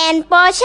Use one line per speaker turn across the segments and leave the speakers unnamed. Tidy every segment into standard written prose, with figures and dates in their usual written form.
นโปเช่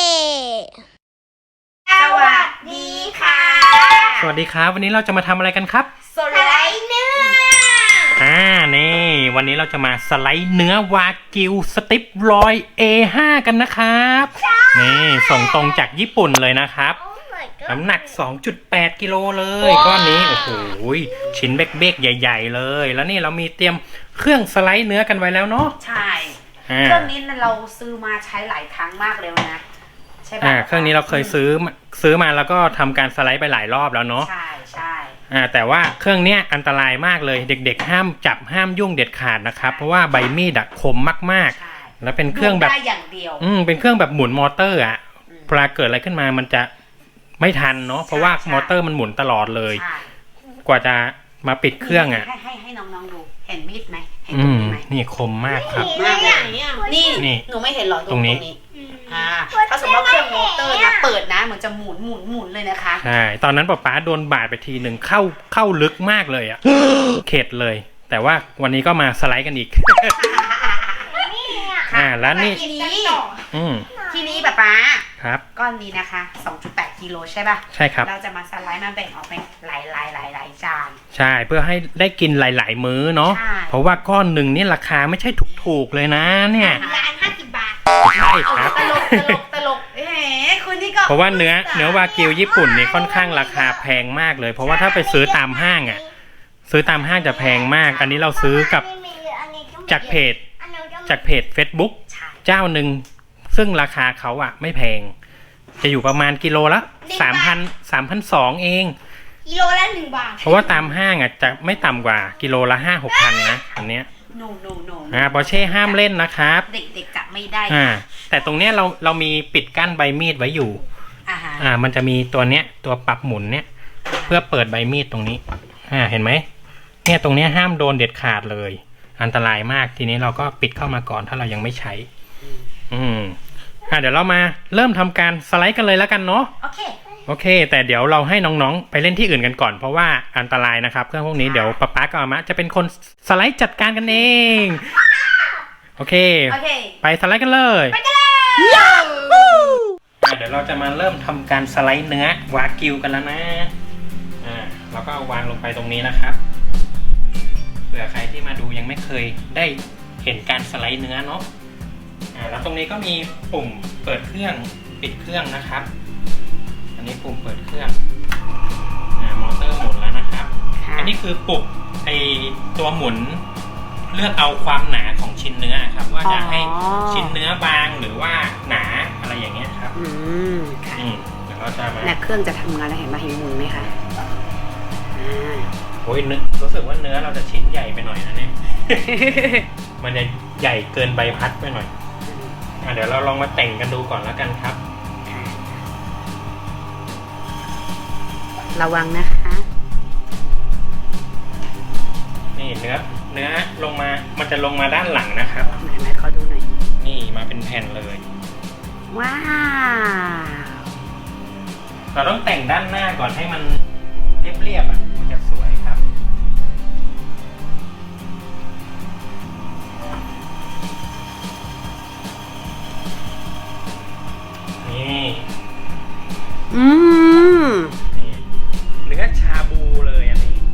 สวัสดีค่ะ
สวัสดีครับวันนี้เราจะมาทำอะไรกันครับ
สไลด์เนื้อ
นี่วันนี้เราจะมาสไลด์เนื้อวากิวสติปรอย A5 กันนะครับนี่ส่งตรงจากญี่ปุ่นเลยนะครับน้ำหนัก 2.8 กิโลเลยก้อนนี้โอ้โหชิ้นเบ๊กๆใหญ่ๆเลยแล้วนี่เรามีเตรียมเครื่องสไลด์เนื้อกันไว้แล้วเนาะ
ใช่เครื่องนี้เราซื้อมาใช้หลายครั้งมากเลยนะใช่ป่ะ
เครื่องนี้เราเคยซื้อมาแล้วก็ทำการสไลด์ไปหลายรอบแล้วเนาะ
ใช่ใช่
แต่ว่าเครื่องนี้อันตรายมากเลยเด็กๆห้ามจับห้ามยุ่งเด็ดขาดนะครับเพราะว่าใบมีดคมมากๆแล้วเป็นเครื่องแบบ
ได้อย่างเดียว
เป็นเครื่องแบบหมุนมอเตอร์เวลาเกิดอะไรขึ้นมามันจะไม่ทันเนาะเพราะว่ามอเตอร์มันหมุนตลอดเลยกว่าจะมาปิดเครื่อง
ให้น้องๆดูเห็นมีดไหมเห็นตรงนี้ไหม
นี่คมมากครับ
มากเลยนี่หนูไม่เห็นหรอตรงนี้ถ้าสมมติว่าเครื่องมอเตอร์นะเปิดนะเหมือนจะหมุนเลยนะคะ
ใช่ตอนนั้นป๊าโดนบาดไปทีหนึ่งเข้าลึกมากเลยเข็ดเลยแต่ว่าวันนี้ก็มาสไลด์กันอีกแล้วนี่
ทีนี้ป๊า
ครับ
ก้อนนี้นะคะ 2.8 กิโลใช่ป่ะ
ใช่ครับ
เราจะมาสไลด์มาแบ่งออกเป็นหลายจาน
ใช่เพื่อให้ได้กินหลายๆมื้อเนาะเพราะว่าก้อนหนึ่งนี่ราคาไม่ใช่ถูกๆเลยนะเนี่ย
ร้าน50 บาท
ใช่ครับ
ตลกคุณนี่ก็
เพราะว่าเนื้อวากิวญี่ปุ่นนี่ค่อนข้างราคาแพงมากเลยเพราะว่าถ้าไปซื้อตามห้างซื้อตามห้างจะแพงมากอันนี้เราซื้อกับจากเพจ Facebook เจ้าหนึ่งซึ่งราคาเขาไม่แพงจะอยู่ประมาณกิโลละ 3,200 เอง
กิโลละ1 บาท
เพราะว่าตามห้างจะไม่ต่ำกว่ากิโลละ 5-6,000 นะอันเนี้ยปอร์เช่ห้ามเล่นนะครับ
เด็กๆจับไม่ได้
แต่ตรงเนี้ยเรามีปิดกั้นใบมีดไว้อยู่มันจะมีตัวเนี้ยตัวปรับหมุนเนี้ยเพื่อเปิดใบมีดตรงนี้เห็นไหมเนี่ยตรงเนี้ยห้ามโดนเด็ดขาดเลยอันตรายมากทีนี้เราก็ปิดเข้ามาก่อนถ้าเรายังไม่ใช้เดี๋ยวเรามาเริ่มทำการสไลด์กันเลยแล้วกันเนาะโอเคแต่เดี๋ยวเราให้น้องๆไปเล่นที่อื่นกันก่อนเพราะว่าอันตรายนะครับเครื่องพวกนี้เดี๋ยวป๊ากับอาม่าจะเป็นคนสไลด์จัดการกันเองโอเคไปสไลด์กันเลย
ไปกันเลย
เดี๋ยวเราจะมาเริ่มทำการสไลด์เนื้อวากิวกันแล้วนะเราก็เอาวางลงไปตรงนี้นะครับเผื่อใครที่มาดูยังไม่เคยได้เห็นการสไลด์เนื้อเนาะแล้วตรงนี้ก็มีปุ่มเปิดเครื่องปิดเครื่องนะครับอันนี้ปุ่มเปิดเครื่องมอเตอร์หมุนแล้วนะครับอันนี้คือปุ่มตัวหมุนเลือกเอาความหนาของชิ้นเนื้อครับว่าจะให้ชิ้นเนื้อบางหรือว่าหนาอะไรอย่างเงี้ยครับเดี๋ยวเราจะมา
เครื่องจะทำงานแล้วเห็นมาเห็นหมุนไหมคะ
โอ้ยรู้สึกว่าเนื้อเราจะชิ้นใหญ่ไปหน่อยนะเนี่ย มันจะใหญ่เกินใบพัดไปหน่อยเดี๋ยวเราลองมาแต่งกันดูก่อนแล้วกันครับ
ระวังนะคะ
นี่เนื้อลงมามันจะลงมาด้านหลังนะครับ
ไหนขอดูหน่อย
นี่มาเป็นแผ่นเลย
ว้าว
เราต้องแต่งด้านหน้าก่อนให้มันเรียบมันจะสวยครับนี่เนื้อชาบูเลยอันนี้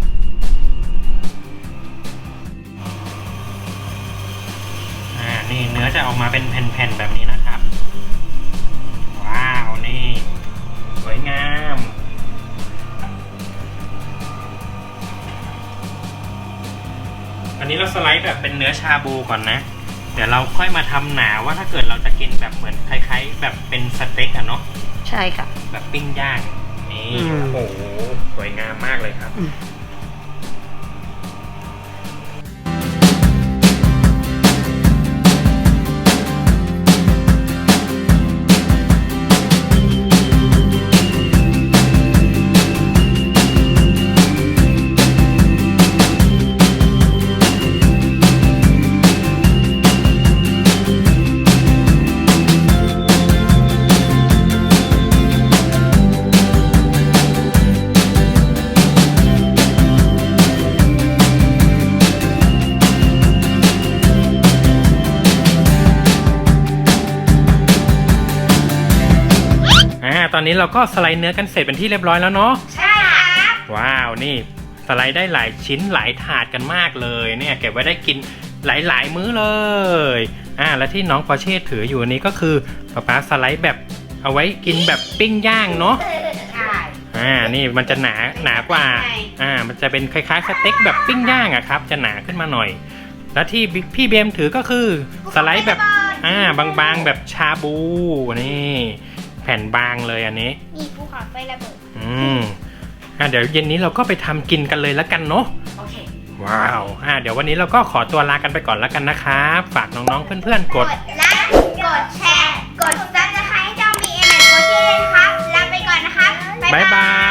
นี่เนื้อจะออกมาเป็นแผ่นๆแบบนี้นะครับว้าวนี่สวยงามอันนี้เราสไลด์แบบเป็นเนื้อชาบูก่อนนะเดี๋ยวเราค่อยมาทำหนาว่าถ้าเกิดเราจะกินแบบเหมือนคล้ายๆแบบเป็นสเต็กเนาะ
ใช่ค่ะ
แบบปิ้งย่างนี่โอ้โหสวยงามมากเลยครับตอนนี้เราก็สไลด์เนื้อกันเสร็จเป็นที่เรียบร้อยแล้วเนาะ
ใช่ครับ
ว้าวนี่สไลด์ได้หลายชิ้นหลายถาดกันมากเลยเนี่ยเก็บไว้ได้กินหลายมื้อเลยและที่น้องปอร์เช่ถืออยู่นี้ก็คือป๊าสไลด์แบบเอาไว้กินแบบปิ้งย่างเนาะ
ใช่
นี่มันจะหนากว่ามันจะเป็นคล้ายๆสเต็กแบบปิ้งย่างอะครับจะหนาขึ้นมาหน่อยแล้วที่พี่เบมถือก็คือสไลด์แบบบางๆแบบชาบูนี่แผ่นบางเลยอันนี้
มีภูเขาไฟระเบิด
เดี๋ยวเย็นนี้เราก็ไปทำกินกันเลยแล้วกันเนาะ
โอเค
ว้าวเดี๋ยววันนี้เราก็ขอตัวลากันไปก่อนแล้วกันนะครับฝากน้องๆเพื่อนๆกด
ไลค์กดแชร์ กดซับสไครต์ให้เจ้ามีเอ็มแอนด์โคชี่เลยนะครับลาไปก่อนนะครับ
บ๊ายบาย